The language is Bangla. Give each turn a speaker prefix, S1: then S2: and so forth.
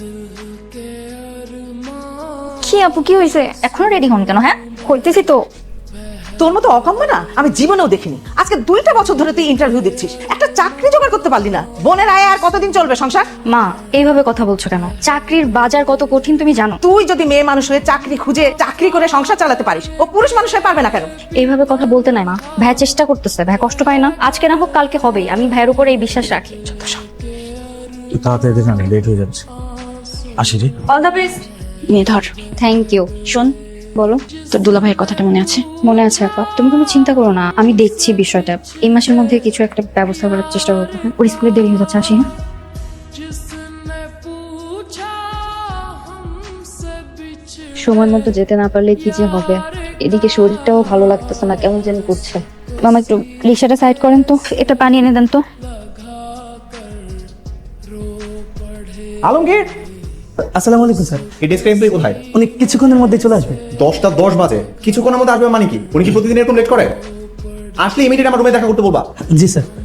S1: কি আপু কি হয়েছে? এখনো রেডি হন কেন? হ্যাঁ হইতেছি তো।
S2: তোর মতো অকাম্য না আমি জীবনেও দেখিনি। আজকে 2টা বছর ধরে তুই ইন্টারভিউ দিচ্ছিস, একটা চাকরি জোগাড় করতে পারলি না। বোনের আয় আর কতদিন চলবে সংসার?
S1: মা এইভাবে কথা বলছো কেন? চাকরির বাজার কত কঠিন তুমি জানো?
S2: তুই যদি মেয়ে মানুষ হয়ে চাকরি খুঁজে চাকরি করে সংসার চালাতে পারিস, ও পুরুষ মানুষ হয়ে পারবে না কেন?
S1: এইভাবে কথা বলতে নাই মা। ভাই চেষ্টা করতেছে, ভাই কষ্ট পায় না। আজকে না হোক কালকে হবেই, আমি ভাইয়ের উপরে এই বিশ্বাস রাখি।
S3: তুই তাড়াতাড়ি দেখ, আমি লেট হয়ে যাচ্ছে। আসি রে।
S1: All the best.
S4: নিয়ে ধর।
S1: Thank you.
S4: শোন,
S1: বলো।
S4: তোর দুলাভাইয়ের কথাটা মনে আছে?
S1: মনে আছে আপা, তুমি কোনো চিন্তা করো না, আমি দেখছি বিষয়টা। এই মাসের মধ্যে কিছু একটা ব্যবস্থা করার চেষ্টা করবো। হ্যাঁ ওর স্কুলে দেরি হয়ে যাচ্ছে, আসি। হ্যাঁ সময় মতো যেতে না পারলে কি যে হবে। এদিকে শরীরটাও ভালো লাগতেছে না, কেমন যেন করছে। মামা একটু রিক্সাটা সাইড করেন তো, এটা পানি এনে দেন তো।
S3: আলমগীর, আসসালামু আলাইকুম স্যার।
S5: এই ডেস্ক এমপ্লয়ি কোথায়?
S3: উনি কিছুক্ষণের মধ্যে চলে আসবে।
S5: 10টা 10 বাজে, কিছুক্ষণের মধ্যে আসবে মানে কি? উনি কি প্রতিদিন এরকম লেট করে? আসলে ইমিডিয়েট আমার রুমে দেখা করতে বলবা।
S3: জি স্যার।